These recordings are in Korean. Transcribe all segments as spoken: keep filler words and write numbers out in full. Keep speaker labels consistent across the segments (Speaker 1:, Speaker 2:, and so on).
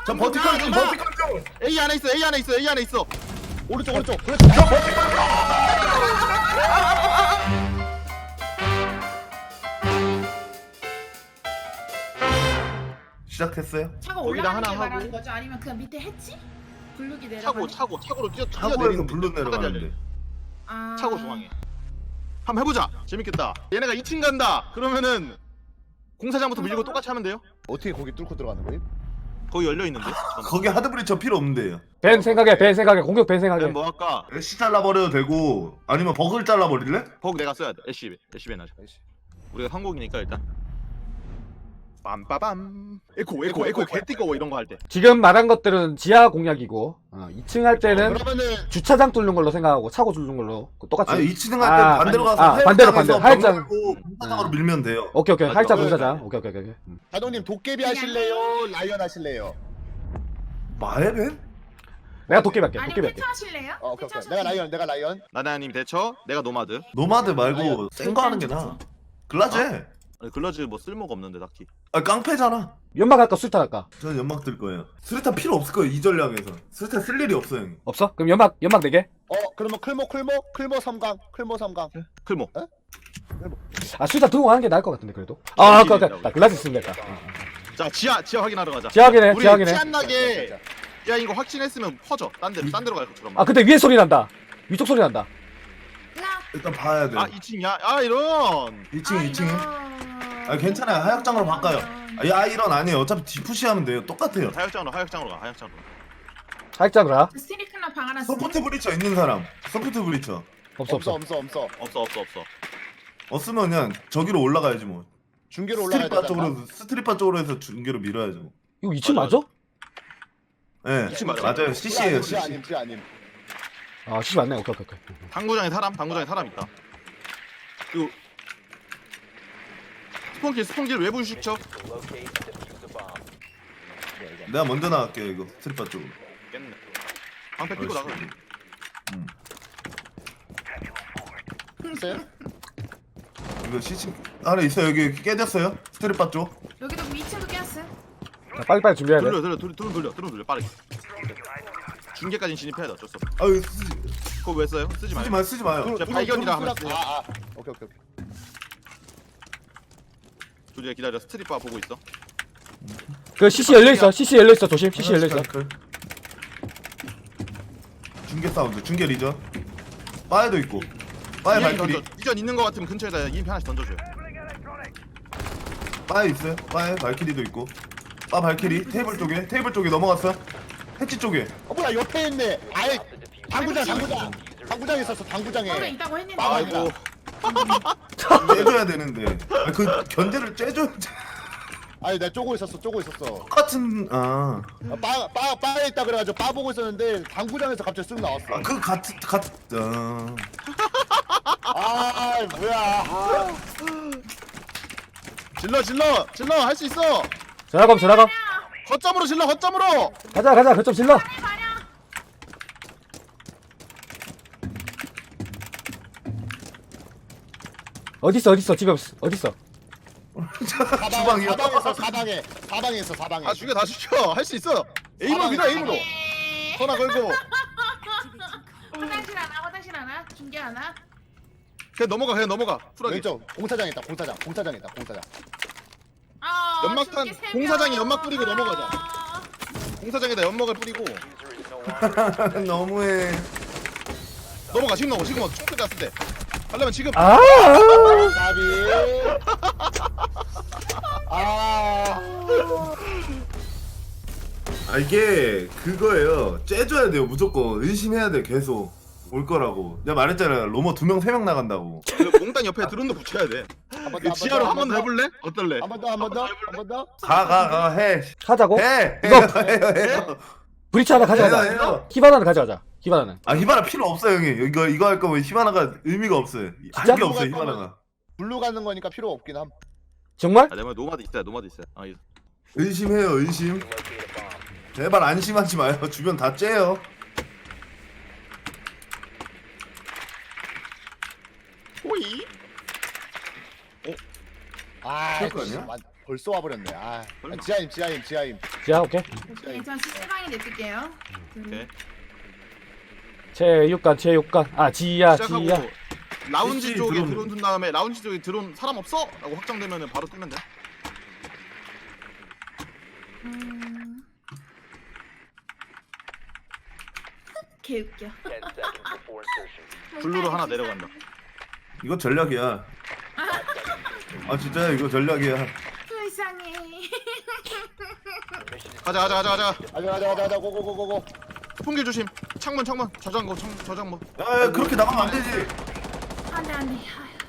Speaker 1: 저 버티컬 좀 버티컬 좀.
Speaker 2: A 안에 있어 A 안에 있어 A 안에 있어.
Speaker 3: 오른쪽 오른쪽. 그렇지.
Speaker 1: 저 버티컬 좀. 시작했어요?
Speaker 4: 차가
Speaker 2: 거기다
Speaker 4: 올라가는
Speaker 2: 하나
Speaker 4: 게 말하는
Speaker 2: 하고.
Speaker 4: 거죠? 아니면 그냥 밑에 했지? 블룩이 내려가.
Speaker 2: 차고 차고 차고로 뛰어
Speaker 1: 차고에서
Speaker 2: 뛰어내리는
Speaker 1: 블루
Speaker 2: 거지.
Speaker 1: 내려가는데.
Speaker 4: 아...
Speaker 2: 차고 중앙에. 한번 해보자. 재밌겠다. 얘네가 이 층 간다. 그러면은 공사장부터 밀고 똑같이 하면 돼요.
Speaker 3: 어떻게 거기 뚫고 들어가는 거임?
Speaker 2: 거기 열려 있는데.
Speaker 1: 거기 하드브리처 필요 없는데요.
Speaker 5: 벤 생각해 벤 생각해 공격 벤 생각해.
Speaker 2: 뭐 할까?
Speaker 1: 애쉬 잘라버려도 되고 아니면 버그를 잘라버릴래?
Speaker 2: 버그 내가 써야 돼. 애쉬 애쉬 벤 하자. 우리가 성공이니까 일단. 빰빠밤. 에코 에코 에코 개띠꺼워 이런 거 할 때.
Speaker 5: 지금 말한 것들은 지하 공략이고 어, 이 층 할 때는
Speaker 2: 그러면은
Speaker 5: 주차장 뚫는 걸로 생각하고 차고 뚫는 걸로 똑같이.
Speaker 1: 아니 이 층 할 때
Speaker 5: 아,
Speaker 1: 반대로 가서
Speaker 5: 아, 반대로, 반대로. 하얀장.
Speaker 1: 하얀장 공사장으로 밀면 돼요.
Speaker 5: 오케이 오케이
Speaker 2: 맞아.
Speaker 5: 활자
Speaker 3: 네.
Speaker 5: 공사장. 오케이 오케이 오케이. 음.
Speaker 3: 자동님 도깨비 하실래요? 라이언 하실래요?
Speaker 1: 마에벤?
Speaker 5: 내가 도깨비 할게.
Speaker 4: 아니
Speaker 5: 도깨비
Speaker 4: 패차
Speaker 5: 할게.
Speaker 4: 하실래요?
Speaker 3: 어, 오케이
Speaker 4: 패차
Speaker 3: 오케이. 내가 라이언 내가 라이언.
Speaker 2: 나나님 대처. 내가 노마드.
Speaker 1: 노마드 말고 센 거 하는 게 나아. 글라제.
Speaker 2: 아니, 글러즈 뭐 쓸모가 없는데 딱히.
Speaker 1: 아 깡패잖아.
Speaker 5: 연막 할까 수류탄 할까?
Speaker 1: 저는 연막 들 거예요. 수류탄 필요 없을 거예요 이 전략에서. 수류탄 쓸 일이 없어 형.
Speaker 5: 없어? 그럼 연막 연막 네 개.
Speaker 3: 어 그러면 클모 클모 클모 삼강 클모 삼강.
Speaker 2: 클모.
Speaker 5: 아 수류탄 들고 가는 게 나을 것 같은데 그래도. 아 아까 아까 글라스 쓰면 됐다. 어, 어.
Speaker 2: 자 지하 지하 확인하러 가자.
Speaker 5: 지하 확인해,
Speaker 2: 우리
Speaker 5: 지하 확인해.
Speaker 2: 티 안 나게. 야 이거 확신했으면 퍼져. 딴 데로 딴 데로 갈 것처럼.
Speaker 5: 아 근데 위에 소리 난다. 위쪽 소리 난다.
Speaker 4: 라.
Speaker 1: 일단 봐야 돼.
Speaker 2: 아 이 층이야? 아 이런.
Speaker 1: 이 층 이 층에. 아 괜찮아요 하역장으로 바꿔요. 아, 야 이런 아니에요. 어차피 디푸시 하면 돼요. 똑같아요.
Speaker 2: 하역장으로 하역장으로 가 하역장으로.
Speaker 5: 살짝으로 가.
Speaker 4: 스티리크나 방 하나
Speaker 1: 소프트 브리처 있는 사람. 소프트 브리처.
Speaker 5: 없어
Speaker 3: 없어
Speaker 5: 없어.
Speaker 3: 없어 없어.
Speaker 2: 없어 없어 없어.
Speaker 1: 없으면 그냥 저기로 올라가야지 뭐.
Speaker 3: 중계로 올라가야
Speaker 1: 스트리파
Speaker 3: 되잖아.
Speaker 1: 쪽으로 스트리파 쪽으로 해서 중계로 밀어야죠. 뭐.
Speaker 5: 이거 이 층
Speaker 2: 맞아,
Speaker 5: 맞아?
Speaker 1: 예.
Speaker 2: 이 층 맞아요.
Speaker 1: 맞아요. 씨씨예요.
Speaker 3: 지 아님
Speaker 1: 씨씨.
Speaker 3: 지 아님.
Speaker 5: 아 씨 맞네. 오케이 오케이 오케이.
Speaker 2: 당구장에 사람 당구장에 사람 있다. 그리고 스폰길 스폰길 외부 휴식처.
Speaker 1: 내가 먼저 나갈게요 이거 스트리파 쪽으로.
Speaker 2: 깼네. 방패 끼고 나가.
Speaker 1: 음.
Speaker 3: 있어요?
Speaker 1: 이거 씨씨 안에 있어 여기 여기 깨졌어요 스트리파 쪽.
Speaker 4: 여기도 이 층도 깼어.
Speaker 5: 자, 빨리빨리 준비해야 돼.
Speaker 2: 돌려 돌려 돌려 돌려 돌려 돌려 돌려 빠르게. 중계까지 진입해야 돼 어쩔 수 없어.
Speaker 1: 아유 쓰지,
Speaker 2: 그거 왜 써요? 쓰지
Speaker 1: 쓰지
Speaker 2: 마요.
Speaker 1: 마 쓰지 마요.
Speaker 2: 저 발견이라 하면
Speaker 3: 아, 아. 오케이 오케이 오케이.
Speaker 2: 조지야 기다려. 스트리파 보고 있어.
Speaker 5: 그 씨씨 열려 있어. 씨씨 열려 있어. 조심. 씨씨 열려 있어.
Speaker 1: 중계 사운드 중계 리전. 바에도 있고. 바에
Speaker 2: 이엠피
Speaker 1: 발길이.
Speaker 2: 던져. 이전 있는 거 같으면 근처에다 이엠피 하나씩 던져줘요.
Speaker 1: 바에 있어요. 바에 발키리도 있고. 바 발키리 테이블 쪽에 테이블 쪽에 넘어갔어. 해치 쪽에.
Speaker 3: 어 뭐야 옆에 있네. 아예 당구장 당구장. 당구장에 있었어 당구장에.
Speaker 4: 거기 있다고 했는데.
Speaker 3: 아,
Speaker 2: 아이고.
Speaker 1: 째줘야 되는데. 아, 그 견제를 째줘.
Speaker 3: 아니 내가 쪼고 있었어 쪼고 있었어.
Speaker 1: 똑같은 아.
Speaker 3: 바바 바에 있다 그래가지고 바 보고 있었는데 당구장에서 갑자기 쓱 나왔어.
Speaker 1: 아, 그 같은 같은. 아.
Speaker 3: 아 뭐야. 아.
Speaker 2: 질러 질러 질러 할 수 있어.
Speaker 5: 전화감 전화감.
Speaker 2: 거점으로 질러 거점으로.
Speaker 5: 가자 가자. 거점 질러. 어디 있어 어디 있어 집에 없어 어디 있어?
Speaker 3: 사방,
Speaker 1: 주방이요?
Speaker 3: 사방에서 사방에 사방에 있어 사방에.
Speaker 2: 다 죽여 다 죽여. 할 수 있어. 에임으로 밀어 에임으로. 전화 걸고.
Speaker 4: 화장실 하나, 화장실 하나, 중계 하나.
Speaker 2: 그냥 넘어가 그냥 넘어가. 쿨하게.
Speaker 3: 왼쪽 공사장 있다 공사장 공사장 있다 공사장.
Speaker 4: 아,
Speaker 2: 연막탄,
Speaker 4: 중계 세 명.
Speaker 2: 공사장에 연막 뿌리고 넘어가자.
Speaker 4: 아,
Speaker 2: 공사장에다 연막을 뿌리고
Speaker 1: 너무해.
Speaker 2: 넘어가 지금 넘어 지금 넘어 총대 났을 때. 하려면 지금.
Speaker 5: 아.
Speaker 3: 나비. 아.
Speaker 1: 아 이게 그거예요. 째줘야 돼요 무조건. 의심해야 돼 계속. 올 거라고. 내가 말했잖아. 로머 두 명 세 명 나간다고.
Speaker 2: 그 몽땅 옆에 드론도 붙여야 돼.
Speaker 3: 한 번
Speaker 2: 그
Speaker 3: 더,
Speaker 2: 지하로 한
Speaker 3: 한
Speaker 2: 번
Speaker 3: 번
Speaker 2: 더
Speaker 3: 더.
Speaker 2: 해볼래? 어떨래?
Speaker 3: 한 번 더 한 번 더 한 번 더.
Speaker 1: 가 가 가 해.
Speaker 5: 하자고?
Speaker 1: 해.
Speaker 5: 이거-
Speaker 1: 해요 해요 해요.
Speaker 5: 브리치 하나
Speaker 1: 해요
Speaker 5: 가져가자.
Speaker 1: 해요.
Speaker 5: 히바나는 가져가자. 히바나는.
Speaker 1: 아 히바나 필요 없어 형이. 이거 이거 할 거면 히바나가 의미가 없어요.
Speaker 5: 진짜?
Speaker 1: 할 게 없어 히바나가.
Speaker 3: 블루 가는 거니까 필요 없긴 함.
Speaker 5: 정말?
Speaker 2: 아, 내말 노마드 있어요. 노마드 있어요. 아, 이-
Speaker 1: 의심해요 의심. 제발 안심하지 마요. 주변 다 째요.
Speaker 2: 호이.
Speaker 3: 아,
Speaker 1: 그럴 거 아니야?
Speaker 3: 씨, 완- 벌써 와버렸네. 아, 지하임, 지하임, 지하임.
Speaker 5: 지하 오케이.
Speaker 3: 지하임.
Speaker 4: 네, 전 시스방에 냅둘게요.
Speaker 2: 오케이.
Speaker 5: 체육관 체육관 아 지야
Speaker 2: 시작하고
Speaker 5: 지야.
Speaker 2: 라운지
Speaker 1: 씨씨
Speaker 2: 쪽에
Speaker 1: 드론.
Speaker 2: 드론 둔 다음에 라운지 쪽에 드론 사람 없어? 라고 확정되면은 바로 뜨면 돼.
Speaker 4: 음... 개웃겨.
Speaker 2: 블루로 하나 내려간다.
Speaker 1: 이거 전략이야. 아 진짜 이거 전략이야.
Speaker 4: 불쌍해.
Speaker 2: 가자 가자 가자 가자.
Speaker 3: 가자 가자 가자 가자 고고고고고.
Speaker 2: 풍길 조심. 창문 창문 저장고 창 저장고.
Speaker 1: 야, 야 그렇게 나가면 안 되지.
Speaker 4: 안돼 안돼.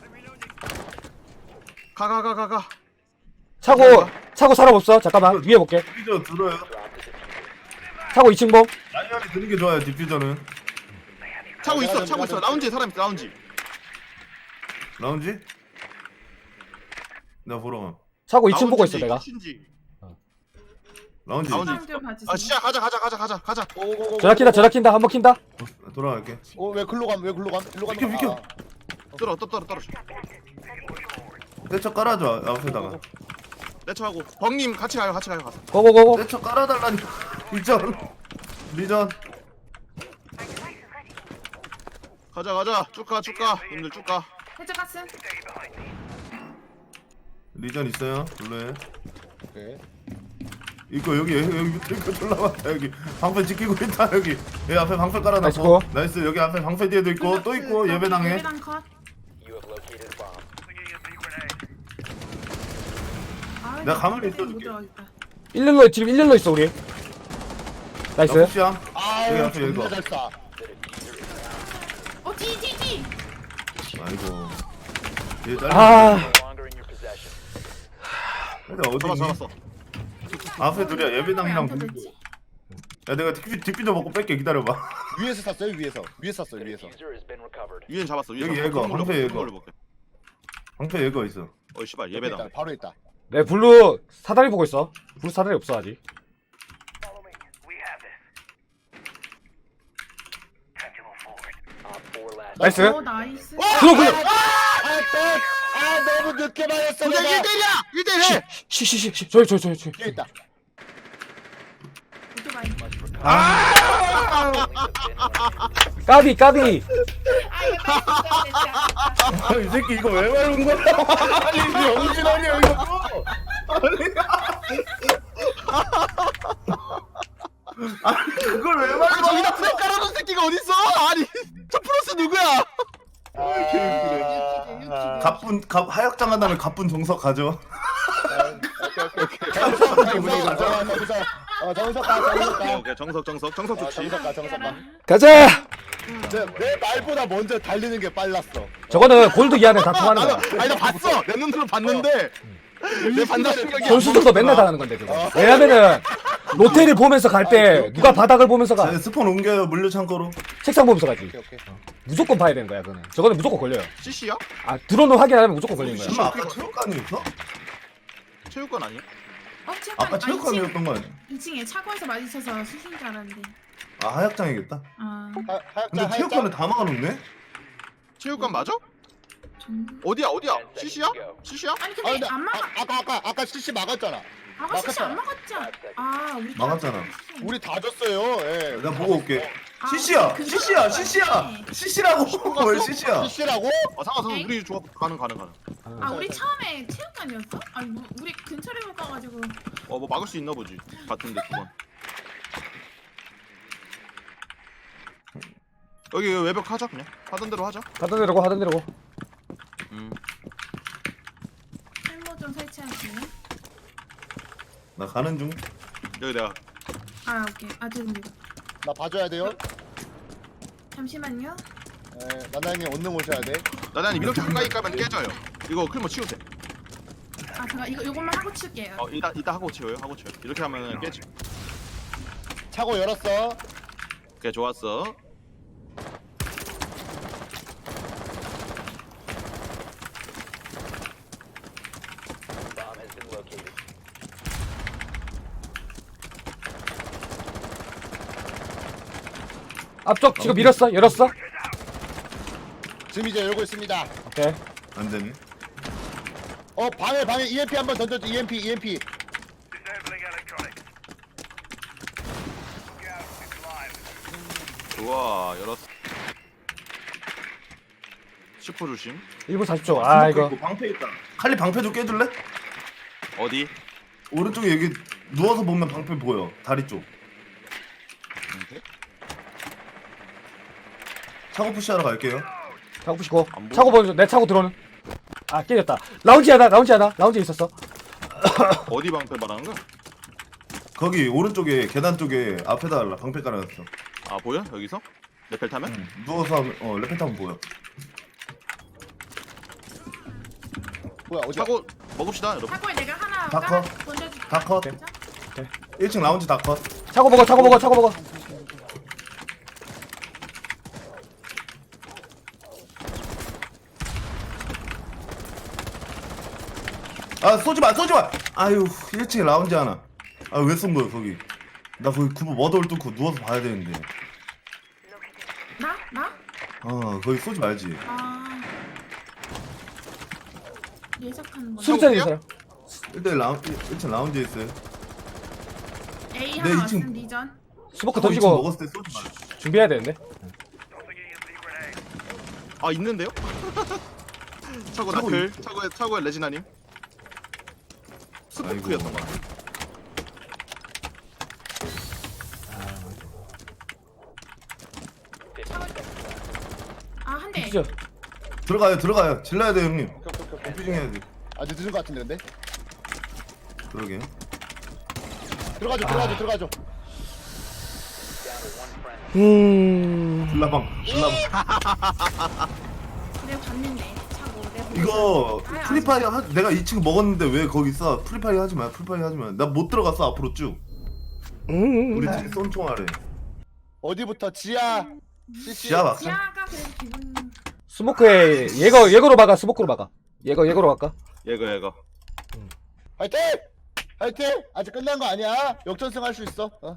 Speaker 2: 가 가 가 가 가.
Speaker 5: 차고 차고 사람 없어. 잠깐만 위에 볼게.
Speaker 1: 디퓨저 들어요.
Speaker 5: 차고 이 층 봄.
Speaker 1: 라이언이 드는 게 좋아요. 디퓨저는.
Speaker 2: 차고 있어 차고 있어. 라운지에 사람 있어 라운지.
Speaker 1: 라운지? 내가 보러 가.
Speaker 5: 차고 이 층 보고 있어
Speaker 2: 라운지인지
Speaker 5: 내가.
Speaker 2: 키친지.
Speaker 1: 라운지.
Speaker 2: 라운지.
Speaker 4: 좀
Speaker 2: 아
Speaker 4: 봐주세요.
Speaker 2: 시작 가자 가자 가자 가자 가자.
Speaker 3: 고고고고.
Speaker 5: 전화 킨다 전화 킨다 한번 킨다.
Speaker 1: 어, 돌아갈게.
Speaker 3: 어왜 글로 감? 왜 글로 감? 글로 감.
Speaker 1: 비켜, 비켜.
Speaker 2: 떨어 떨어 떨어 떨어.
Speaker 1: 떼쳐 깔아줘 앞에다가.
Speaker 2: 내쳐하고 벙님 같이 가요 같이 가요 가서.
Speaker 5: 고고고고.
Speaker 1: 떼쳐 깔아달라니까. 리전. 리전.
Speaker 2: 가자 가자 쭉가 쭉가 님들 쭉가.
Speaker 4: 해적 가스.
Speaker 1: 리전 있어요. 블루에.
Speaker 3: 오케이.
Speaker 1: 이거 여기 여기 여기 밑에 이거 졸라 많다 여기. 방패 지키고 있다 여기. 여기 앞에 방패 깔아놨고.
Speaker 5: 나이스 고.
Speaker 1: 나이스 여기 앞에 방패 뒤에도 있고 또 있고 예배당에.
Speaker 4: 예배당 컷. 아,
Speaker 1: 내가 가만히
Speaker 4: 못
Speaker 1: 있어줄게.
Speaker 4: 들어가겠다.
Speaker 5: 일렬로 지금 일렬로 있어 우리. 나이스.
Speaker 1: 나쁘시야. 여기
Speaker 3: 아유
Speaker 1: 앞에 여기
Speaker 3: 존나
Speaker 1: 거.
Speaker 3: 잘 쏴.
Speaker 4: 어, 뒤, 뒤, 뒤.
Speaker 1: 아이고. 얘 딸.
Speaker 5: 아
Speaker 1: 근데 어디
Speaker 2: 잡았어
Speaker 1: 있니?
Speaker 2: 잡았어.
Speaker 1: 앞에 둘이야 예배당이랑
Speaker 4: 왜안
Speaker 1: 둘이고.
Speaker 4: 터졌지?
Speaker 1: 야 내가 뒷 뒷비저 먹고 뺄게 기다려봐.
Speaker 3: 위에서 쐈어요 위에서. 위에서 쐈어요 위에서.
Speaker 2: 위엔 잡았어 위엔
Speaker 1: 여기
Speaker 2: 잡았어.
Speaker 1: 얘거,
Speaker 2: 큰 걸로
Speaker 1: 방패
Speaker 2: 볼게,
Speaker 1: 얘거.
Speaker 2: 큰 걸로 볼게.
Speaker 1: 방패 얘거 있어.
Speaker 2: 어이 씨발
Speaker 3: 옆에 있다,
Speaker 2: 예배당.
Speaker 3: 바로 있다.
Speaker 5: 내 블루 사다리 보고 있어. 블루 사다리 없어 아직. 나이스.
Speaker 4: 어, 나이스.
Speaker 5: 블루 블루.
Speaker 3: 아, 또! 아 너무 늦게 맞았어
Speaker 2: 도장
Speaker 3: 내가.
Speaker 2: 일 대일이야 일 대일 해.
Speaker 5: 시시시시 저기 저기 저기 저기.
Speaker 3: 뒤에 있다.
Speaker 4: 오토바이.
Speaker 5: 까비 까비.
Speaker 4: 아, 이거 빨리 진짜.
Speaker 1: 이 새끼 이거 왜 말하는 거야? 아니 영진 아니야 이거. 아니 그걸 왜
Speaker 2: 아니
Speaker 1: 말하는
Speaker 2: 저기다
Speaker 1: 거야?
Speaker 2: 프레임 깔아놓은 새끼가 어딨어? 아니 저 프로스 누구야?
Speaker 3: 아,
Speaker 1: 가쁜 갑 하역장 한 다음에 가쁜 정석 가져.
Speaker 3: 오케이 오케이 오케이. 정석 정석 가자. 정석. 어 정석 가 정석
Speaker 2: 오케이
Speaker 3: 가.
Speaker 2: 오케이 정석 정석 정석
Speaker 3: 아,
Speaker 2: 좋지.
Speaker 3: 정석 가 정석 가.
Speaker 5: 가자.
Speaker 3: 내, 내 말보다 먼저 달리는 게 빨랐어.
Speaker 5: 저거는 골드 기한에 다 통하는 거야.
Speaker 2: 나도 아니 나 봤어 내 눈으로 봤는데 내 반다 생각이 안
Speaker 5: 선수들도 맨날 당하는 건데 그거. 왜냐면은 로테를 보면서 갈 때 누가 바닥을 보면서 가.
Speaker 1: 자, 스폰 옮겨요 물류 창고로.
Speaker 5: 책상 보면서 가지.
Speaker 3: 오케이 오케이.
Speaker 5: 무조건 봐야 되는 거야 그거는. 저거는 무조건 걸려요.
Speaker 2: 씨씨야?
Speaker 5: 아 드론을 확인 안 하면 무조건 걸리는 거야.
Speaker 1: 설마 아까 체육관이었어?
Speaker 2: 체육관 아니야?
Speaker 4: 어, 체육관.
Speaker 1: 아까 체육관이었던 거 아니야?
Speaker 4: 이 층에 차고에서 맞으셔서 수신 줄 알았는데.
Speaker 1: 아 하역장이겠다.
Speaker 4: 아,
Speaker 3: 하, 하얗자
Speaker 1: 근데 체육관에
Speaker 3: 하얗자.
Speaker 1: 다 막아놓네?
Speaker 2: 체육관 맞아?
Speaker 4: 좀.
Speaker 2: 어디야 어디야? 씨씨야? 씨씨야?
Speaker 4: 아니
Speaker 3: 아
Speaker 4: 근데
Speaker 3: 근데
Speaker 4: 안 막아.
Speaker 3: 아, 아까 아까 아까 씨씨 막았잖아.
Speaker 4: 아가 실시 안 막았지? 아, 우리
Speaker 1: 막았잖아.
Speaker 3: 우리 다 줬어요. 예.
Speaker 1: 내가 보고 올게.
Speaker 4: 아,
Speaker 1: 씨씨야,
Speaker 4: 그거
Speaker 1: 씨씨야,
Speaker 4: 그거
Speaker 1: 씨씨야,
Speaker 4: 맞네.
Speaker 1: 씨씨라고. 왜 씨씨야?
Speaker 3: 씨씨라고?
Speaker 2: 아 상관없어 우리 좋아 가능 가능 가능.
Speaker 4: 아, 우리 처음에 체육관이었어? 아니, 뭐, 우리 근처를 못 가가지고.
Speaker 2: 어 뭐 막을 수 있나 보지. 같은데 두 번. 여기 외벽 하자 그냥 하던 대로 하자.
Speaker 5: 하던 대로고 하던 대로고.
Speaker 2: 음.
Speaker 4: 탈모 좀 설치할게요.
Speaker 1: 나 가는 중.
Speaker 2: 여기 내가
Speaker 4: 아, 오케이. 아, 죄송해요.
Speaker 3: 나 봐줘야 돼요.
Speaker 4: 잠시만요.
Speaker 3: 예, 나나님 언능 오셔야 돼.
Speaker 2: 나단님 이렇게 가까이 가면 깨져요. 이거 클모 치우세요.
Speaker 4: 아, 잠깐 이거 요것만 하고 칠게요.
Speaker 2: 어 이따 이따 하고 치워요 하고 치워. 이렇게 하면 깨지.
Speaker 3: 차고 열었어.
Speaker 2: 오케이 좋았어.
Speaker 5: 앞쪽 지금 밀었어 열었어.
Speaker 3: 지금 이제 열고 있습니다.
Speaker 5: 오케이.
Speaker 1: 안 되네.
Speaker 3: 어 방에 방에 이엠피 한번 던져줘. 이엠피 이엠피.
Speaker 2: 좋아 열었어. 슈퍼 조심.
Speaker 5: 일 분 사십 초. 아 이거
Speaker 1: 방패 있다. 칼리 방패 좀 깨줄래?
Speaker 2: 어디?
Speaker 1: 오른쪽에 여기 누워서 보면 방패 보여. 다리 쪽.
Speaker 2: 방패?
Speaker 1: 차고 푸시하러 갈게요.
Speaker 5: 차고 부시고
Speaker 2: 안 보여.
Speaker 5: 차고 보는 내 차고 들어오는. 아 깨졌다. 라운지 하나 라운지 하나 라운지 있었어.
Speaker 2: 어디 방패 말하는 거야?
Speaker 1: 거기 오른쪽에 계단 쪽에 앞에다 방패 깔아놨어.
Speaker 2: 아 보여? 여기서? 레펠 타면?
Speaker 1: 응. 누워서 하면 어 레펠 타면 보여.
Speaker 3: 뭐야 어디야?
Speaker 2: 차고 먹읍시다 여러분.
Speaker 4: 차고에 내가 하나
Speaker 1: 다
Speaker 4: 깔아
Speaker 1: 커.
Speaker 4: 던져줄게.
Speaker 1: 다 컷.
Speaker 4: 진짜?
Speaker 1: 일 층 라운지 다 컷.
Speaker 5: 차고 먹어 차고 먹어 차고 먹어.
Speaker 1: 아 쏘지 마 쏘지 마. 아유 일 층에 라운지 하나. 아 왜 쏜 거야 거기? 나 거기 구부 머더울 뚫고 누워서 봐야 되는데.
Speaker 4: 나? 나?
Speaker 1: 어 거기 쏘지 말지.
Speaker 4: 아 예석하는 거.
Speaker 5: 수류탄 있어요.
Speaker 1: 일단 라운 일 층 라운지에 있어요.
Speaker 4: A
Speaker 1: 네,
Speaker 4: 하나
Speaker 1: 이
Speaker 4: 왔음
Speaker 1: 층.
Speaker 4: 리전.
Speaker 5: 스모크
Speaker 1: 어, 이 층
Speaker 5: 던지고
Speaker 1: 먹었을 때 쏘지 마.
Speaker 5: 준비해야 되는데.
Speaker 2: 아 있는데요? 차고
Speaker 1: 차고
Speaker 2: 나클.
Speaker 1: 있-
Speaker 2: 차고에 차고에 레지나님. 스포크였던 것 같아.
Speaker 4: 아한 대.
Speaker 5: 진짜
Speaker 1: 들어가요 들어가요. 질러야 돼 형님. 컴퓨징 해야 돼.
Speaker 3: 아주 늦은 것 같은데 근데.
Speaker 1: 그러게.
Speaker 3: 들어가죠 들어가죠 들어가죠.
Speaker 5: 음.
Speaker 1: 줄라방 줄라방.
Speaker 4: 내가 봤는데 차고 내가 보고
Speaker 1: 이거
Speaker 4: 있었는데. 아예
Speaker 1: 프리파이어 하, 내가 이 층 먹었는데 왜 거기 있어? 프리파이어 하지 마. 프리파이어 하지 마. 나 못 들어갔어 앞으로 쭉.
Speaker 5: 음.
Speaker 1: 우리 팀 쏜총알에.
Speaker 3: 어디부터 지하. 씨씨.
Speaker 1: 지하 막상.
Speaker 4: 지하가 그래도 기분.
Speaker 5: 스모크에 예거 예거로 막아 스모크로 막아. 예거 예거로 갈까?
Speaker 2: 얘가 얘가.
Speaker 3: 화이팅! 화이팅! 아직 끝난 거 아니야. 역전승 할 수 있어. 어.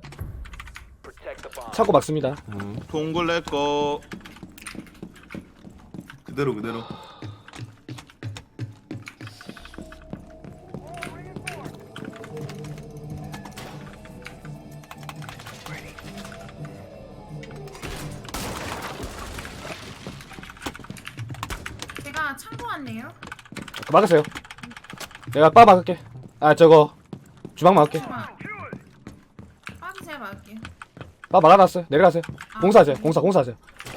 Speaker 5: 차고 막습니다.
Speaker 2: 동굴 내꺼.
Speaker 1: 그대로 그대로.
Speaker 4: 제가 창고 왔네요.
Speaker 5: 막으세요. 내가 빠 막을게. 아 저거 주방 막을게.
Speaker 4: 주방. 빠지 제가 막을게요.
Speaker 5: 빠 막아놨어요. 내려가세요.
Speaker 4: 아,
Speaker 5: 공사하세요. 공사 공사하세요.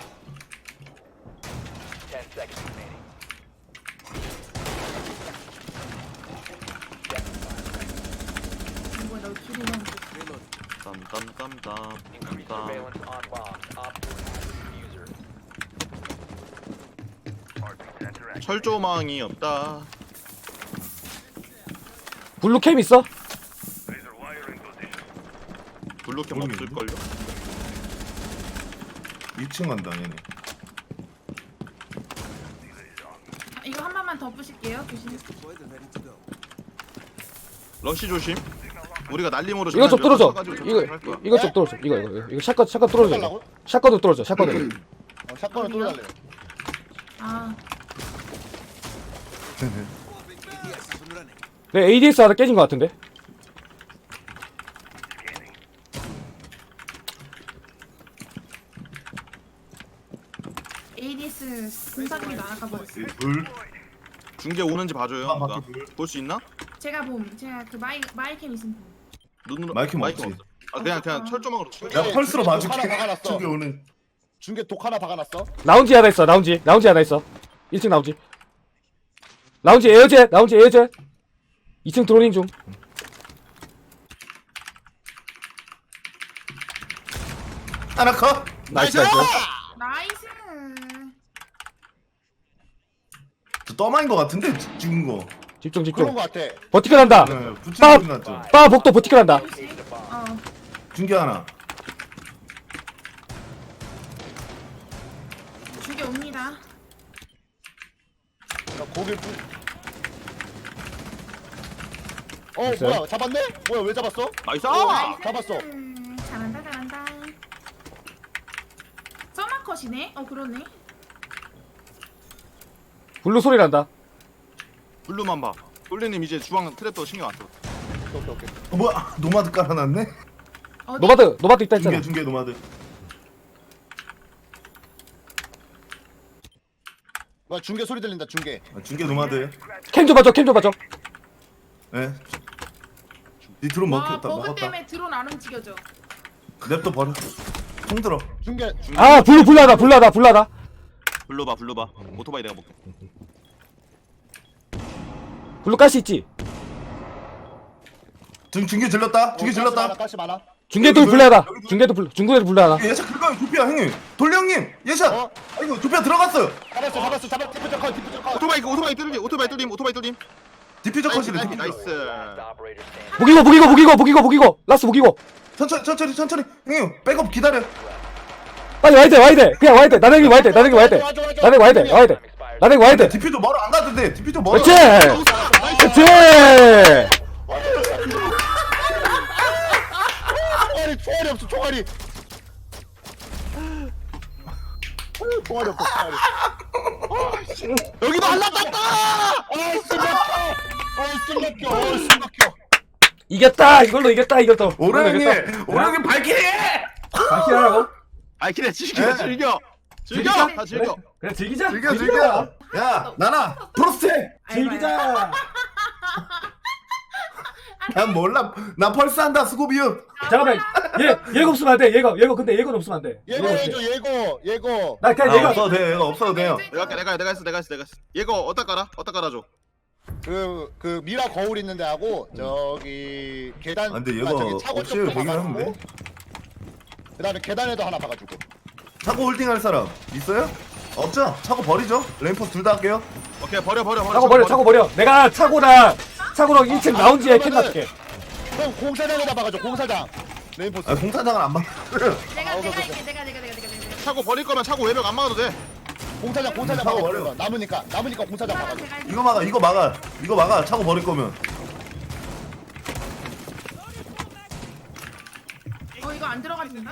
Speaker 4: 이거 너 둘이 너무.
Speaker 2: 땀땀땀땀.
Speaker 6: Surveillance on bomb. Op user.
Speaker 2: 철조망이 없다.
Speaker 5: 블루캠 있어?
Speaker 2: 블루캠
Speaker 1: 모르겠는데?
Speaker 2: 없을걸요?
Speaker 1: 이 층 간다 얘네.
Speaker 4: 아, 이거 한 번만 더 부실게요. 조심.
Speaker 2: 러쉬 조심. 우리가 날림으로
Speaker 5: 이거 좀
Speaker 2: 전화
Speaker 5: 뚫어줘.
Speaker 2: 쳐가지고
Speaker 5: 이거
Speaker 2: 저쪽으로 할 거야.
Speaker 5: 이거 좀 뚫어줘. 이거 이거 이거 샷건 샷건 뚫어줘. 이거.
Speaker 3: 달라고?
Speaker 5: 샷건도 뚫어줘. 샷건도.
Speaker 3: 어, 샷건을
Speaker 4: 어디요?
Speaker 3: 뚫어달래요.
Speaker 4: 아
Speaker 5: 내 에이디에스 하나 깨진 것 같은데.
Speaker 4: 에이디에스 분사기가 나아가 버렸어.
Speaker 1: 이 불.
Speaker 2: 중계 오는지 봐줘요.
Speaker 1: 아,
Speaker 2: 그러니까.
Speaker 1: 바퀴 불.
Speaker 2: 볼 수 있나?
Speaker 4: 제가 봄. 제가 그 마이 마이캠 있으면 봄.
Speaker 2: 눈으로
Speaker 1: 마이크
Speaker 2: 마이크
Speaker 1: 없지.
Speaker 2: 없어. 아 그냥 그냥 철조망으로 쳐.
Speaker 1: 내가 펄스로
Speaker 3: 중계
Speaker 1: 봐줄게.
Speaker 3: 하나 박아놨어.
Speaker 1: 저기 오는.
Speaker 3: 중계 독 하나 박아놨어.
Speaker 5: 라운지 하나 있어. 라운지. 라운지 하나 있어. 일 층 라운지. 라운지 에어젯. 라운지 에어젯. 이 층 드로닝 중.
Speaker 1: 하나 컷.
Speaker 5: 나이스 나이스.
Speaker 4: 나이스.
Speaker 1: 저 떠마인 거 같은데 지- 찍은 거.
Speaker 5: 집중
Speaker 3: 그런
Speaker 5: 집중.
Speaker 3: 거 같아.
Speaker 5: 버티컬 한다.
Speaker 1: 네, 붙이는
Speaker 5: 빠!
Speaker 1: 소리 났죠.
Speaker 5: 빠 복도 버티컬 한다.
Speaker 4: 혹시? 어.
Speaker 1: 중계 하나.
Speaker 4: 죽이 옵니다.
Speaker 3: 나 고개 뿌. 어
Speaker 5: 됐어요?
Speaker 3: 뭐야 잡았네? 뭐야 왜 잡았어?
Speaker 2: 나이스!
Speaker 4: 나이스.
Speaker 3: 잡았어.
Speaker 4: 음, 잘한다 잘한다. 서마컷이네. 어 그러네.
Speaker 5: 블루 소리 난다.
Speaker 2: 블루만 봐. 솔리님 이제 주방 트랩도 신경 안 써.
Speaker 3: 오케이 오케이.
Speaker 1: 어, 뭐야? 노마드 깔아놨네.
Speaker 4: 어디?
Speaker 5: 노바드 노바드 있다 했잖아.
Speaker 1: 중계 중계 노마드.
Speaker 3: 와 중계 소리 들린다 중계.
Speaker 1: 아, 중계 노마드.
Speaker 5: 캠 좀 봐줘 캠 좀 봐줘.
Speaker 1: 예. 니 드론
Speaker 4: 와
Speaker 1: 먹혔다
Speaker 4: 버그
Speaker 1: 먹었다.
Speaker 4: 때문에 드론 안 움직여져.
Speaker 1: 냅둬 버려. 총 들어.
Speaker 3: 중계.
Speaker 5: 아 블루 블루하다 블루하다 블루하다.
Speaker 2: 불러봐 불러봐. 오토바이 내가 볼게.
Speaker 5: 블루 가시 있지.
Speaker 1: 지금 중계 질렀다. 중계 질렀다.
Speaker 3: 가시 많아.
Speaker 5: 중계도 블루하다. 중계도 블루 중계도 블루하다.
Speaker 1: 예샷 그거야 조피아 형님. 돌리 형님 예샷.
Speaker 3: 어?
Speaker 1: 아 이거 조피아 들어갔어요.
Speaker 3: 잡았어 잡았어 잡았어. 디프저 컷 디프저 컷.
Speaker 2: 오토바이 오토바이 뚫림 오토바이 뚫림 오토바이 뚫림.
Speaker 1: 디퓨저
Speaker 2: 나이스
Speaker 1: 컷이래.
Speaker 2: 나이스
Speaker 1: 디퓨저.
Speaker 2: 나이스.
Speaker 6: Last operator standing.
Speaker 5: 무기고 무기고 무기고 무기고 무기고 라스 무기고.
Speaker 1: 천천히 천천히 천천히. 형님 백업 기다려.
Speaker 5: 빨리 와야 돼 와야 돼 그냥 와야 돼 나대기 와야 돼 나대기 와야 돼 나대기 와야 돼 와야 돼 나대기 와야 돼.
Speaker 1: 디퓨저 멀어 안 가도 돼. 디퓨저 멀어.
Speaker 5: 그렇지 그렇지.
Speaker 3: 총알이 총알이 없어 총알이. 총알이 없어 총알이.
Speaker 2: 여기도 하나 땄다.
Speaker 3: 아이씨 막혀. 아이씨 막혀. 아이씨 막혀.
Speaker 5: 이겼다 이걸로 이겼다 이겼다.
Speaker 1: 오래 형님. 오래 형님 발키리.
Speaker 5: 바퀴하라고?
Speaker 2: 아이 그래 즐겨
Speaker 1: 네.
Speaker 2: 즐겨 즐겨
Speaker 5: 즐기자.
Speaker 2: 다 즐겨.
Speaker 5: 그래 즐기자.
Speaker 1: 즐겨 즐겨. 야 나나 프로스트.
Speaker 5: 즐기자.
Speaker 1: 난 몰라. 나 펄스한다 스고비움.
Speaker 5: 잠깐만 얘 얘가 없으면 안 돼. 얘가 얘가 근데 얘가 없으면 안 돼.
Speaker 3: 예고 해줘 예고 예고.
Speaker 5: 나
Speaker 1: 아,
Speaker 5: 그냥 얘가
Speaker 1: 없어도 돼. 이거 없어도 돼요.
Speaker 2: 내가 할게 내가 해, 내가 했어 내가 했어 내가 했어. 얘거 어디다 깔아? 어디다 깔아줘.
Speaker 3: 그, 그 미라 거울 있는데 하고 저기 계단.
Speaker 1: 아, 근데
Speaker 3: 아,
Speaker 1: 얘가
Speaker 3: 저기 차고
Speaker 1: 없애요
Speaker 3: 쪽도
Speaker 1: 되긴
Speaker 3: 박아주고,
Speaker 1: 하는데.
Speaker 3: 그다음에 계단에도 하나 박아주고.
Speaker 1: 차고 홀딩할 사람 있어요? 없죠? 차고 버리죠. 레인포스 둘 다 할게요.
Speaker 2: 오케이 버려 버려 버려.
Speaker 5: 차고 버려 차고 버려. 내가 차고랑 차고랑 일 층 라운지에 캠 놔줄게.
Speaker 3: 그럼 공사장에다 박아줘 공사장. 레인포스.
Speaker 1: 아 공사장은 안 막.
Speaker 4: 내가
Speaker 3: 아,
Speaker 4: 내가
Speaker 3: 오케이,
Speaker 4: 할게. 내가 내가 내가 내가 내가.
Speaker 2: 차고 버릴 거면 차고 외벽 안 막아도 돼.
Speaker 3: 공사장 공사장
Speaker 1: 차고
Speaker 3: 박아줘.
Speaker 1: 버려.
Speaker 3: 남으니까 남으니까 공사장
Speaker 4: 하나
Speaker 3: 박아줘.
Speaker 4: 제가 할게.
Speaker 1: 이거 막아. 이거 막아. 이거 막아. 차고 버릴 거면.
Speaker 4: 어 이거 안 들어가진다.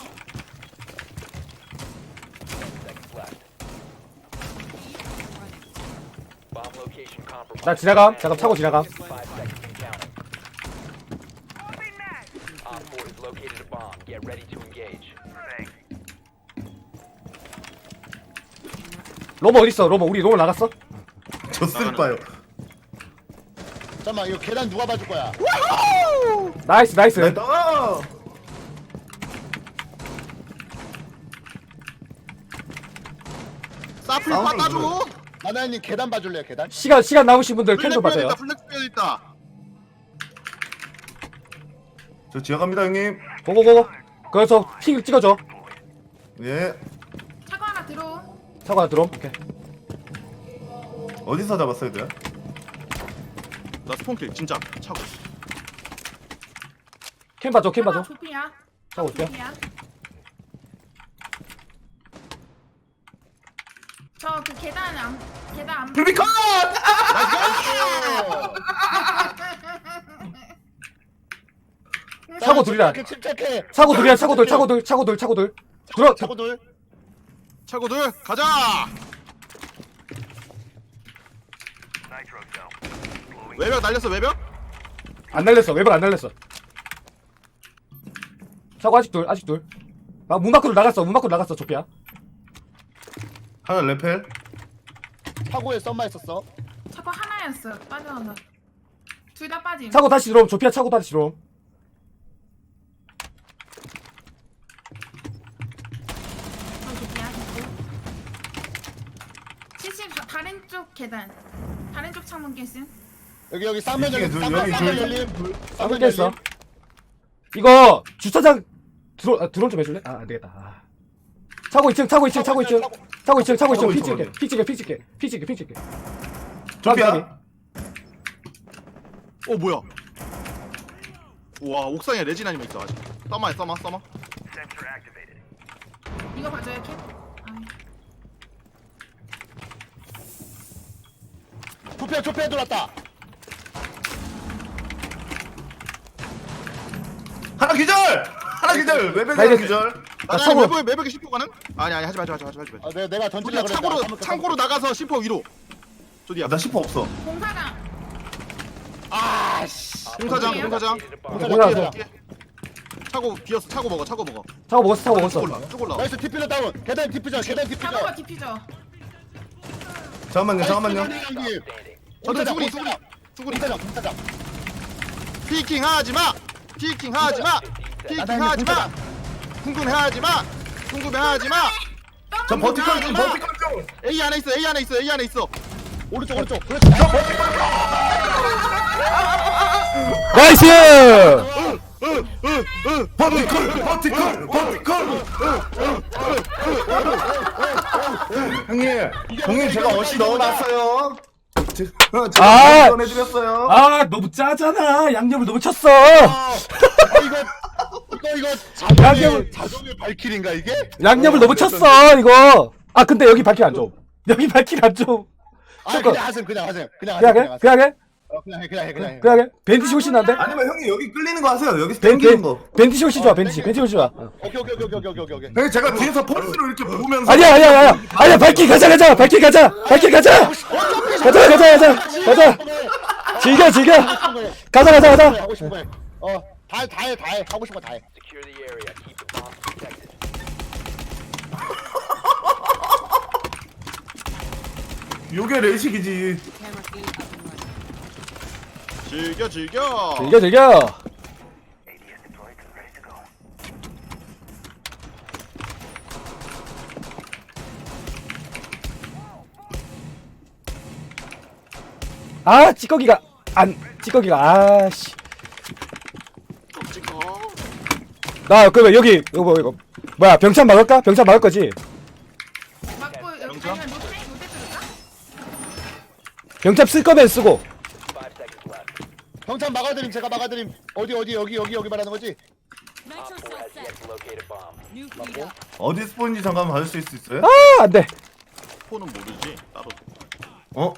Speaker 6: Bomb location compromised.
Speaker 5: 나 지나감. 잠깐 차고 지나감.
Speaker 6: Five seconds and counting. Op four has located a bomb. Get ready to engage.
Speaker 5: 로버 어디 있어? 로버 우리 로버 나갔어?
Speaker 1: 저 쓸까요?
Speaker 3: 잠깐만 이거 계단 누가 봐줄 거야?
Speaker 5: 나이스 나이스.
Speaker 1: 네, 떠.
Speaker 2: 사플
Speaker 1: 사운드
Speaker 2: 깎아줘.
Speaker 3: 나나님 계단 봐줄래요 계단?
Speaker 5: 시간 시간 남으신 분들 캠 좀
Speaker 2: 플렉스
Speaker 5: 받아요.
Speaker 2: 있다 플렉스 빼야 있다.
Speaker 1: 저 지하 갑니다 형님.
Speaker 5: 고고고고. 그래서 핑 찍어줘.
Speaker 1: 예.
Speaker 4: 차고 하나 들어.
Speaker 5: 차고 하나 들어. 오케이.
Speaker 1: 어디서 잡았어야 돼요?
Speaker 2: 나 스폰킬 진짜 차고.
Speaker 5: 캠 봐줘 캠
Speaker 4: 차고
Speaker 5: 봐줘.
Speaker 4: 조피야.
Speaker 5: 차고 올게요.
Speaker 4: 조피야. 저그 계단 안 계단 안.
Speaker 1: 루비컨!
Speaker 5: 차고 둘이다.
Speaker 3: 침착해.
Speaker 5: 차고 둘이야 차고 둘 차고 둘 차고 둘 차고 둘. 들어.
Speaker 3: 차고 둘.
Speaker 2: 차고 둘 가자. 외벽 날렸어 외벽?
Speaker 5: 안 날렸어. 외벽 안 날렸어. 차고 아직 둘 아직 둘. 아, 문 밖으로 나갔어. 문 밖으로 나갔어. 조피야.
Speaker 1: 하나 레펠.
Speaker 3: 차고에 썸마 있었어.
Speaker 4: 차고 하나였어. 빠져나가. 둘 다 빠짐.
Speaker 5: 차고 다시 들어옴. 조피야 차고 다시 들어옴.
Speaker 4: 어, 조피야. 칠십 다른 쪽 계단. 다른 쪽 창문 깼음.
Speaker 3: 여기 여기 쌍면
Speaker 1: 이쪽에
Speaker 3: 열림.
Speaker 1: 둘,
Speaker 3: 쌍면
Speaker 1: 여기
Speaker 3: 쌍면
Speaker 1: 둘.
Speaker 3: 열림.
Speaker 5: 아,
Speaker 3: 쌍면
Speaker 5: 깼어.
Speaker 3: 열림.
Speaker 5: 이거 주차장 드론 아, 드론 좀 해줄래? 아, 안 되겠다. 아. 차고 이 층 차고 이 층 차고 이 층 차고 이 층 차고 이 층
Speaker 1: 차고
Speaker 5: 피
Speaker 1: 있어,
Speaker 5: 찍게 피 찍게 피 찍게 피 찍게 피 찍게.
Speaker 1: 조피아.
Speaker 2: 어 뭐야? 우와 옥상에 레진 아니면 있어 아직. 써마해 써마 써마.
Speaker 4: 이거 봐줘요 캡. 아,
Speaker 3: 조피아 조피아 들어왔다.
Speaker 1: 하나 기절! 하나 기절! 외벽
Speaker 5: 나
Speaker 1: 하나
Speaker 5: 이제-
Speaker 1: 기절!
Speaker 2: 나
Speaker 5: 차고-
Speaker 2: 외벽에 외벽에 십 호 가는? 아니 아니 하지 마 하지 마 하지 마 하지 마.
Speaker 3: 아, 내가 내가 던질라
Speaker 2: 우리가
Speaker 3: 그랬다.
Speaker 2: 창고로
Speaker 3: 까먹었다,
Speaker 2: 창고로 나가서 십 호 위로. 조디야.
Speaker 1: 아, 나 십 호 없어.
Speaker 4: 공사장.
Speaker 3: 아씨.
Speaker 2: 공사장 공사장.
Speaker 6: Located a bomb.
Speaker 5: 공사장.
Speaker 3: 공사장.
Speaker 2: 차고 비었어 차고 먹어 차고 먹어.
Speaker 5: 차고 먹었어 차고
Speaker 2: 쭉
Speaker 5: 먹었어.
Speaker 2: 올라 쭉 올라.
Speaker 3: 나이스 디퓨저 다운. 계단 디퓨저 계단 디퓨저.
Speaker 4: 잡아봐 디퓨저.
Speaker 1: 잠깐만요 잠깐만요.
Speaker 2: 형님. 저도
Speaker 3: 공사장
Speaker 2: 수구리,
Speaker 3: 공사장
Speaker 2: 수구리.
Speaker 3: 공사장 공사장.
Speaker 2: 피킹 하지 마. 피킹 하지 마. 피킹 하지 마. 궁금해하지 마. 궁금해하지 마.
Speaker 1: 저 버티컬 좀 버티컬 좀.
Speaker 2: A 안에 있어. A 안에 있어. A 안에 있어.
Speaker 3: 오른쪽 오른쪽. 그렇지.
Speaker 5: 나이스!
Speaker 1: 버티컬 버티컬 버티컬. 형님 형님 제가 어시 넣어놨어요. 제가
Speaker 5: 아!
Speaker 1: 전해드렸어요.
Speaker 5: 아 너무 짜잖아. 양념을 너무 쳤어.
Speaker 3: 아 이거 이거 이거 자동의
Speaker 5: 양념을-
Speaker 3: 자동의 발길인가 이게?
Speaker 5: 양념을 너무 쳤어 이거. 아 근데 여기 발길 안 줘. 여기 발길 안 줘.
Speaker 3: 아
Speaker 5: 잠깐.
Speaker 3: 그냥 하세요 그냥 하세요 그냥
Speaker 5: 그냥
Speaker 3: 하세요
Speaker 5: 해? 그냥 해?
Speaker 3: 어, 그냥 해 그냥 해 그냥 해.
Speaker 5: 그냥 해? 벤티시 훨씬 난데?
Speaker 1: 아니면 형님 여기 끌리는 거 하세요. 여기서
Speaker 5: 벤,
Speaker 1: 땡기는
Speaker 5: 벤,
Speaker 1: 거.
Speaker 5: 벤티시 훨씬 좋아.
Speaker 3: 어,
Speaker 5: 벤티시.
Speaker 3: 땡겨.
Speaker 5: 벤티시 훨씬 좋아. 어.
Speaker 3: 오케이 오케이 오케이 오케이 오케이 오케이.
Speaker 1: 형님 제가 뒤에서 펄스로 이렇게 보면서.
Speaker 5: 아니야 아니야 아니야 아니야 발길 가자 가자 발길 가자 발길 가자 가자 가자 가자 가자 즐겨 즐겨 가자 가자 가자.
Speaker 3: 하고 싶은 거 해. 어다다해다해 하고 싶은 거 다 해.
Speaker 6: Secure the area. Keep the bombs protected.
Speaker 1: 요게 레식이지.
Speaker 2: 즐겨 즐겨.
Speaker 5: 즐겨 즐겨. 아 찌꺼기가 안 찌꺼기가 아씨.
Speaker 2: 찍어.
Speaker 5: 나 그러면 여기 이거 뭐 이거 뭐야 병찬 막을까? 병찬 막을 거지?
Speaker 4: 맞고 여기
Speaker 2: 영차?
Speaker 4: 아니면 노태 노태 들을까?
Speaker 5: 병찬 쓸 거면 쓰고.
Speaker 6: Five seconds left.
Speaker 3: 경찰 막아드림 제가 막아드림. 어디 어디 여기 여기 여기 말하는 거지?
Speaker 6: Op four has yet to locate a bomb.
Speaker 3: 맞고.
Speaker 1: 어디 스폰인지 잠깐 봐줄 수 있어요?
Speaker 5: 아 안돼.
Speaker 2: 포는 모르지. 따로.
Speaker 1: 어?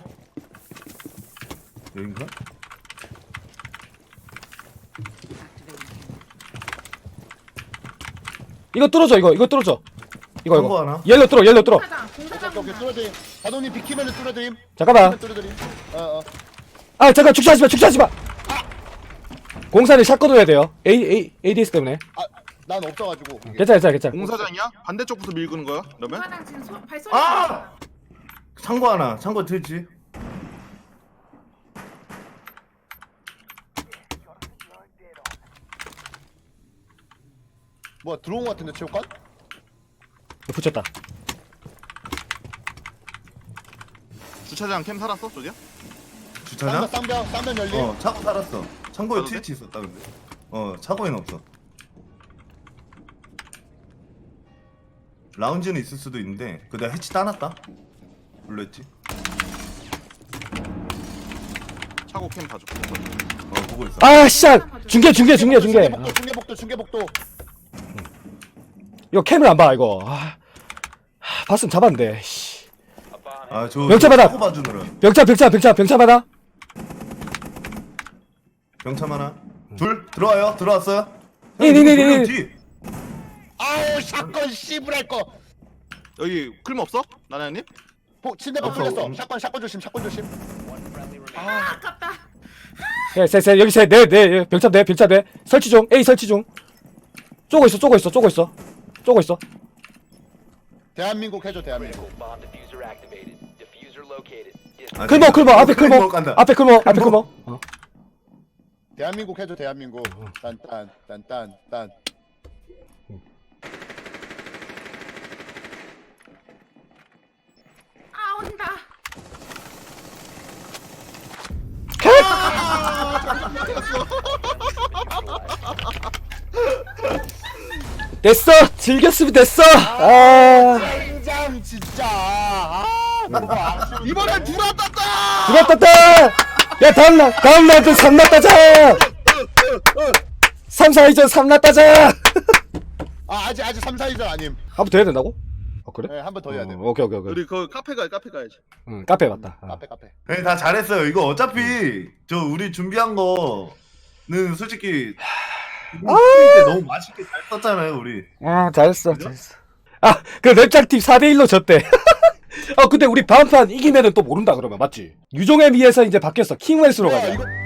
Speaker 1: 여긴가?
Speaker 5: 이거 뚫어줘 이거 이거 뚫어줘. 이거
Speaker 1: 한거
Speaker 5: 이거.
Speaker 1: 하나?
Speaker 5: 옐로 뚫어 옐로 뚫어.
Speaker 4: 공사장 공사장
Speaker 3: 오케이 오케이 뚫어드림. 자동님 비키면은 뚫어드림.
Speaker 5: 잠깐만.
Speaker 3: 뚫어드림. 어어.
Speaker 5: 아 잠깐 축소하지 마 축소하지 마. 공사를 샷건 해야 돼요. A A 에이디에스 때문에.
Speaker 3: 아난 없어가지고. 이게.
Speaker 5: 괜찮아 괜찮아 괜찮아.
Speaker 2: 공사장이야? 반대쪽부터 밀고는 거야? 그러면?
Speaker 4: 공사장 지금 소, 발소리
Speaker 1: 아! 창고 하나. 창고 들지.
Speaker 3: 뭐야 들어온 거 같은데 체육관?
Speaker 5: 붙였다.
Speaker 2: 주차장 캠 살았어, 조디야?
Speaker 1: 주차장?
Speaker 3: 쌍벽 쌍벽 열림.
Speaker 1: 어, 차고 살았어. 창고에
Speaker 2: 가도 돼?
Speaker 1: 트위치 있었다 근데. 어, 차고에는 없어. 라운지는 있을 수도 있는데, 그 내가 해치 따놨다. 불렀지.
Speaker 2: 차고 캠 봐줘.
Speaker 1: 어, 보고 있어.
Speaker 5: 아 씨야 중계 중계 중계 중계.
Speaker 3: 중계복도 중계복도 중계복도.
Speaker 5: 이거 캠을 안 봐 이거. 아, 아, 봤으면 잡았는데. 씨.
Speaker 6: A bomb
Speaker 1: 아, 저
Speaker 5: 명차 받아.
Speaker 1: 차고 봐주느라.
Speaker 5: 병차 병차 병차 병차 받아.
Speaker 1: 병참 하나. 둘 들어와요. 들어왔어요.
Speaker 5: 이, 이, 이, 이,
Speaker 1: 돌려,
Speaker 5: 이.
Speaker 1: 뒤.
Speaker 3: 아우 샷건 씨부랄 거.
Speaker 2: 여기 클림 없어? 나나님?
Speaker 3: 보 침대방
Speaker 1: 없어,
Speaker 3: 풀렸어.
Speaker 1: 없어.
Speaker 3: 샷건 샷건 조심 샷건 조심.
Speaker 4: 아 아깝다.
Speaker 5: 셋셋 여기 셋네네 병차 네 병차 네 설치 중 A 설치 중. 쪼고 있어 쪼고 있어 쪼고 있어 쪼고 있어.
Speaker 3: 대한민국 해줘 대한민국.
Speaker 6: critical. Bomb diffuser activated. Diffuser located. Dis-
Speaker 1: 아,
Speaker 5: 클모 클모 앞에 클모
Speaker 1: 클모 간다.
Speaker 5: 앞에 클모 앞에 클모. 어.
Speaker 3: 대한민국 해줘 대한민국. 딴딴 딴딴 딴.
Speaker 4: 아 온다.
Speaker 5: 됐어 즐겼으면 됐어. 아
Speaker 3: 짱 진짜. 아 너무 아쉬운.
Speaker 2: 이번엔 누가 땄다!
Speaker 5: 누가 땄다. 야 다음 날 다음 날도 삼나 따자. 삼, 사 이전 삼나 따자.
Speaker 3: 아 아직 아직 삼, 사 위전 아님.
Speaker 5: 한 번 더 해야 된다고? 어 그래?
Speaker 3: 네 한 번 더 해야 돼.
Speaker 5: 어, 오케이 오케이 오케이.
Speaker 2: 우리 그 카페 가 카페 가야지.
Speaker 5: 응 카페 맞다. 어.
Speaker 3: 카페 카페.
Speaker 1: 네, 다 잘했어요. 이거 어차피 저 우리 준비한 거는 솔직히 아~ 때 너무 맛있게 잘 썼잖아요, 우리.
Speaker 5: 아 잘했어 잘했어. 아그 랩장팀 사 대 일로 졌대. 어 근데 우리 다음판 이기면은 또 모른다 그러면 맞지? 유종에 비해서 이제 바뀌었어 킹 웰스로
Speaker 3: 야
Speaker 5: 가자.
Speaker 3: 이거